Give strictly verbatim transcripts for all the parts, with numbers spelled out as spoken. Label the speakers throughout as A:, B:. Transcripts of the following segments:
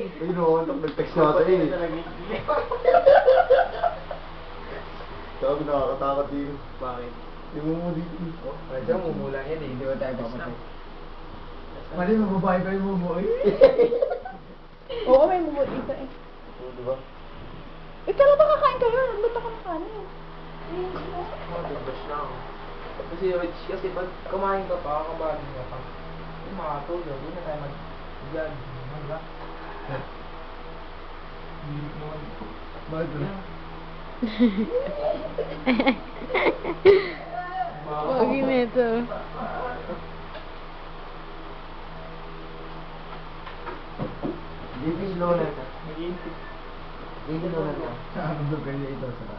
A: Ay, no, nag-text natin eh. Sabi nakakatakot din.
B: Bakit?
A: Yung mo dito.
B: Oh, kasi mumula yan eh. Hindi ba tayo papatay?
A: Mali, mababae pa yung mumu eh.
C: Oo, may mumo dito eh.
A: Oo, di ba?
C: Eh, kailan ba kakain kayo? Ba't ako nakain?
B: Oh, dubas na ako. Kasi, Rich, kasi pag kumain ka pa, kabagin ka pa, yung mga tulog, hindi na tayo mag-vlog. Mag-vlog. Hindi naman. Bakit ba?
D: Pogi nito.
A: Dito yung lola ka.
B: Nag-iintip.
A: Dito yung lola ka.
B: Ano ba kayo ito sa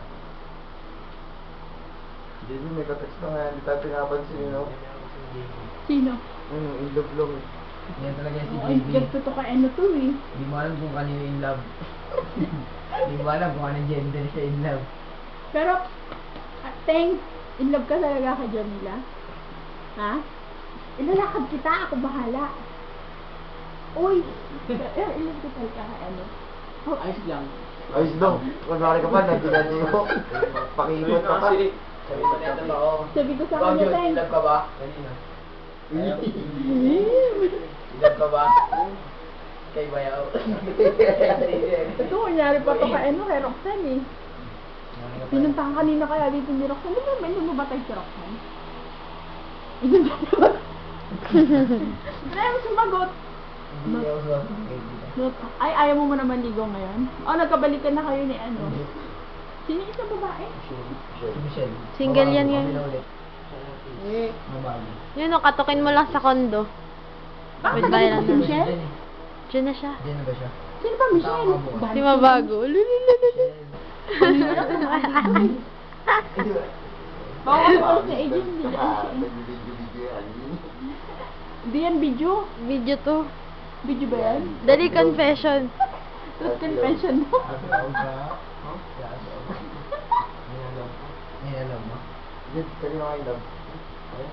A: Dito may ka-text na nga. Hindi tayo pinapansin, you know?
C: Sino?
A: Hmm, in love lang eh.
B: Yan talaga si
C: Ay,
B: J B.
C: gagto to ka ano to eh.
B: Hindi mo alam kung kanino in love. Hindi mo alam kung anong gender siya in love.
C: Pero, ah, thanks. In love ka talaga kay Jamila? Ha? Ilalakad kita, ako bahala. Uy! Eh, in love ka talaga kay ano? Oh,
B: Ayos lang.
A: Ayos daw. Kunwari ka pa, nandun ko. Pakipot ka pa.
B: Sabi sa neta ba ako?
C: sabi ko sa
B: Ikaw,
C: kanya,
B: Jun, in
C: thanks.
B: love ka ba? Kanina.
C: Eh,
B: In love ka ba? Kay Bayaw.
C: Ito, kunyari pa to kay ano, kay Roxanne eh. Pinuntahan kanina kaya dito ni Roxanne. Di ba, may lumabatay si Roxanne? Inuntahan. Ano yung sumagot?
B: Hindi ako sa
C: Not, ay, ayaw mo mo naman ligo ngayon? O, nagkabalikan na kayo ni ano? Sino yung isang babae?
B: Si Michelle.
D: Single yan
B: Babago,
D: ngayon.
B: kami na ulit.
C: Eh.
B: Babago.
D: Yun o, katukin mo lang sa kondo.
C: Bakit
D: With Dylan
C: nagkabalikan si
D: na.
C: Michelle?
B: Diyan eh.
D: Diyan na siya.
B: Diyan na ba siya?
C: Sino ba Michelle?
B: Tama
D: Si Mabago. Lululululu.
C: Bawal ko sa agent. Hindi na
A: Ah,
C: siya.
A: nag-video-video yan.
C: Hindi yan video.
D: Video to.
C: Video ba yan?
D: Dali confession.
C: Tapos confession mo.
B: Alam ka? Huh? Nilalam mo? Nilalam mo?
A: Dito, kanina kayo love. Ayun.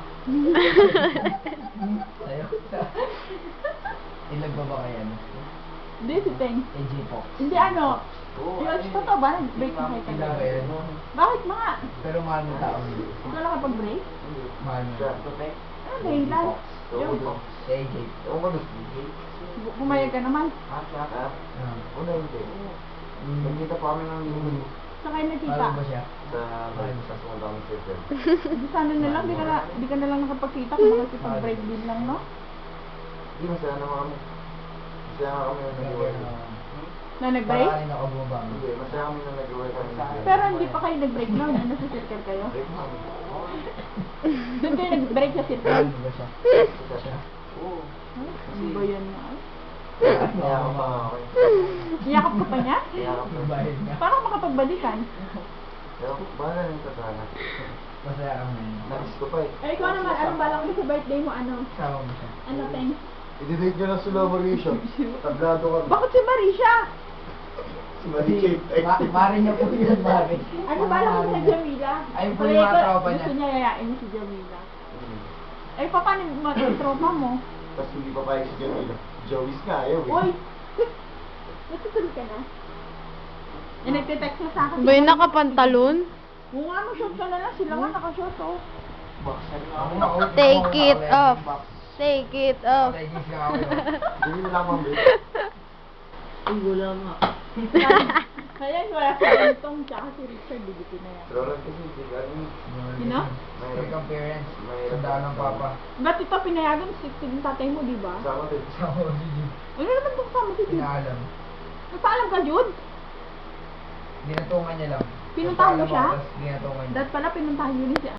B: Sa'yo? Ilag ba ba kayo ano?
C: Hindi si Teng.
B: A J Fox.
C: Hindi ano.
A: Oo,
C: Yung
A: ayun.
C: totoo ba? Nag-break na kayo
B: Ilag ba
C: kagabi?
B: yan?
C: Bakit mga?
B: Pero mahal mo tao.
C: Wala ka pag-break?
B: Mahal mo.
A: Siya.
C: Ano ba yun lang?
A: Ewan ko.
B: Si A J.
A: Ewan ko doon.
C: Bu- Pumayag ka naman.
A: Ha? Ha?
B: Ah.
A: Una hindi. Nagkita pa kami ng linggo
C: Sa kayo nakita.
B: Mahal mo ba siya?
A: sa sa sumandang circle.
C: Di sana na lang, di ka na, di ka na lang nakapagkita kung bakit pag-break din lang, no?
A: Hindi, masaya naman kami. Masaya naman kami na nag-iway.
C: Na nag-break?
B: Parang kanina ka bumaba.
A: Hindi, masaya kami na nag-iway kami.
C: Pero hindi pa kayo nag-break noon, ano sa circle kayo?
A: Break kami.
C: Doon kayo nag-break sa
B: Mahal
C: circle?
B: mo ba siya?
A: Isa siya. Oo.
C: Ano ba yan nga?
A: Kaya ako pa nga ako. eh.
C: Iyakap ka pa niya?
A: Kaya ako pa.
B: Magbayad nga.
C: Parang makapagbalikan.
A: Pero bahala na yung tatana.
B: Masaya ka ngayon.
A: Nais ko pa eh.
C: Eh, ikaw naman, anong balak mo sa birthday mo, ano?
B: Kasama mo siya.
C: Ano, thanks?
A: I-date nyo na sila Marisha. Tablado kami.
C: Bakit si Marisha?
A: Si Marisha yung text.
B: Ma Mari niya po yun, Mari.
C: Ano balak mo sa Jamila?
B: Ayun po
C: Wala,
B: yung mga
C: ikaw-
B: tropa niya.
C: Gusto niya yayain mo si Jamila.
A: Hmm.
C: Eh, pa, paano yung mga tropa mo?
A: Tapos hindi pa payag si Jamila. Joey's nga ayaw eh.
C: Uy! Natutuloy ka na? Eh, nagte-text na sa akin.
D: Ba yung nakapantalon?
C: Oo nga, mag-short ka na lang. Sila nga nakashort, oh.
B: Ako na, oh.
D: Take
B: Ako
D: it
B: na,
D: off.
B: box.
D: Take it off.
B: Take it ka ako.
A: Hindi mo lang mambit.
B: Ay, wala nga.
C: Kaya wala sa itong tsaka si Richard, bibitin na yan.
A: Pero lang kasi hindi ka ano.
C: Sino?
B: May kang parents.
A: May-
B: Tandaan ng papa.
C: Ba't ito pinayagan si yung tatay mo, di ba?
A: Sama din.
B: Sama ko si Jim.
C: Ano naman itong sama si Jude?
B: Pinaalam.
C: Nagpaalam ka, Jude?
B: Dinatungan niya lang.
C: Pinuntahan mo
B: Nagpaalam
C: siya?
B: ako, tapos dinatungan niya.
C: Dahil pala pinuntahan yun si